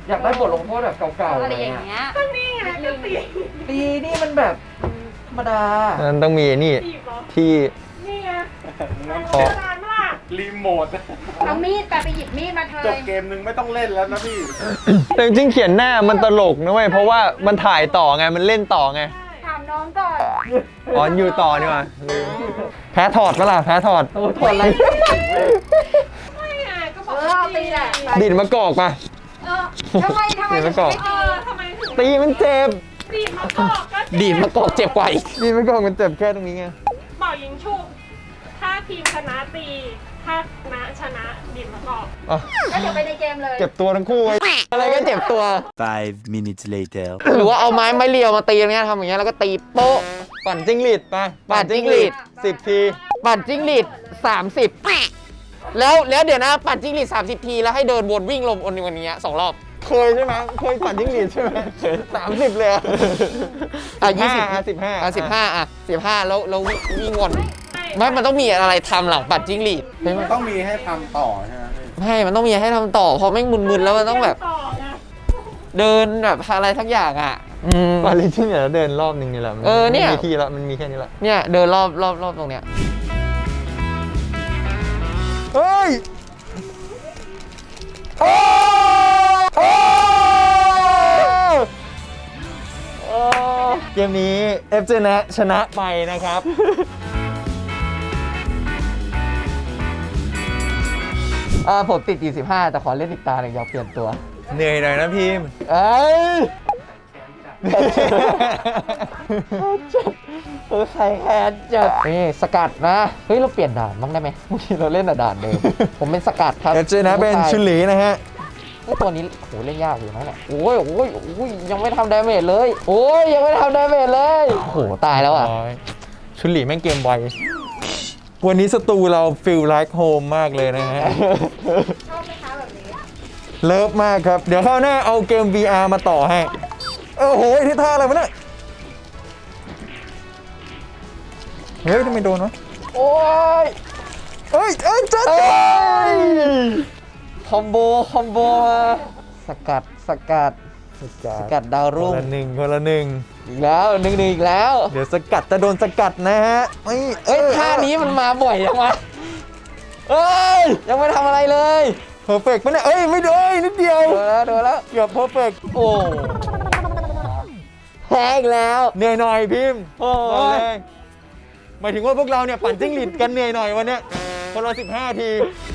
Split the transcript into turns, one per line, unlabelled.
อยากได้บทลงโทษแบบเก่าๆ
อะไรอย่างเงี้ย
ก็นี่ไงก็ตี
นี่มันแบบธรรมดา
นั้นต้องมีนี่
ตีบเหรอ
ที่
นี่ไง
ขอ
นานมาก
รีโมท
เอามีดไปหยิบมีดมาเธอ
จบเกมนึงไม่ต้องเล่นแล้วนะพี่
แต่จริงๆเขียนหน้ามันตลกนะเว้ยเพราะว่ามันถ่ายต่อไงมันเล่นต่อไง
ถามน้องก่อน
อ๋ออยู่ต่อนี่หว่าลืมแพ้ถอดปะล่ะแพ้ถอด
โอ้ถอดอะไร
ไม่ไงก็บอก
เอาตีแหละ
ดิดมะกอกปะ
ทำไม
เดี๋ยวไปก่อน
ทำไมถึง
ตีมันเจ็บ
ดีดมากอกก็
ดีดมากอกเจ็บกว่าอีก
ดีดมะกอกมันเจ็บแค่ตรงนี้ไง
เป่ายิงฉุบถ้าทีมชนะตี ถ้าชนะดีดมากอก
อ่ะ
ก็เดี๋ยวไปในเกมเลย
เจ็บตัวทั้งคู่ไว้
อะไรก็เจ็บตัว
5 minutes later
หรือว่าเอาไม้เรียวมาตีอย่างเงี้ยทำอย่างเงี้ยแล้วก็ตีโป๊ะ
ปั่นจิ้งหรีดไป
ปั่นจิ้งหรีด
10 ที
ปั่นจิ้งหรีด30แล้วเดี๋ยวนะปั่นจิ้งหรีด30 ทีแล้วให้เดินวนวิ่งลมอนวันนี้2 รอบ
เคยใช่ไหมเคยปั่นจิ้งหรีดใช่ไหม30 เลยอะ
อ่ะ
15
อ่ะ15อ่ะ15แล้ววิ่งวนไม่มันต้องมีอะไรทำหลังปั่นจิ้งหรีดเฮ้ยมัน
ต้องมีให้ทำต่อใช่ไหมพี่
ไม่มันต้องมีให้ทำต่อพอไม่งมึนๆแล้วมันต้องแบบ
ต่อไง
เดินแบบอะไรทักอย่างอ่ะอืม
ปั่นจิ้งหรีดแล้วเดินรอบนึงนี่แหละมั
เนี่ย
ไม่มีที่ละมันมีแค่นี้ละ
เนี่ยเดินรอบตรงเนี้ย
เฮ้ยโอ้เกมนี้เอฟเจนะชนะไปนะครับ
ผมติด25แต่ขอเล่นอีกตาหนึ่งอยากเปลี่ยนตัว
เหนื่อยหน่อยนะพิมพ์
เอ้ยใครแค้นจัดนี่สกัดนะเฮ้ยเราเปลี่ยนด่านบ้างได้ไหมเมื่อกี้เราเล่นแต่ด่านเดิมผมเป็นสกัดครับ
เอฟเจนะเป็นชุนหลีนะฮะ
เฮ้ยตัวนี้โหเล่นยากอยู่นะเนี่ยโอ้ยยังไม่ทำดาเมจเลยโอ้ยยังไม่ทำดาเมจเลยโอ้โหตายแล้วอ่ะ
ชุนหลีแม่งเกมไว วันนี้สตูเราฟีลไลค์โฮมมากเลยนะฮะ
ชอบไหมคะแบบนี้
เลิฟมากครับ เดี๋ยวคราวหน้าเอาเกม VR มาต่อให้ โอ้โหที่ท่าอะไรวะเนี่ย เฮ้ยทำไมโดนวะ
โอ้ย
เอ้ยจัด
คอมโบมาสกัดดาว
ค
รุ่
น
ง
ละหนึ่งคนละหนึ่ง
อีกแล้วหนึ่งอีกแล้ว
เดี๋ยวสกัดจะโดนสกัดนะฮะไม่
เอ้ยท่านี้มันมาบ่อยยังวะเอ้ยยังไม่ทำอะไรเลย
เพอร์เฟกต์ปะเนี่ยเอ้ยไม่โดนนิดเดียว
โดนแล้ว
เกือบเพอร์เฟกต์
โอ้แพ้อีกแล้ว
เหนื่อยหน่อยพิมพ์
โอ้ย
บอกเลยหมายถึงว่าพวกเราเนี่ยปั่นจิ้งหรีดกันเหนื่อยหน่อยวันเนี้ยคนละ15 ที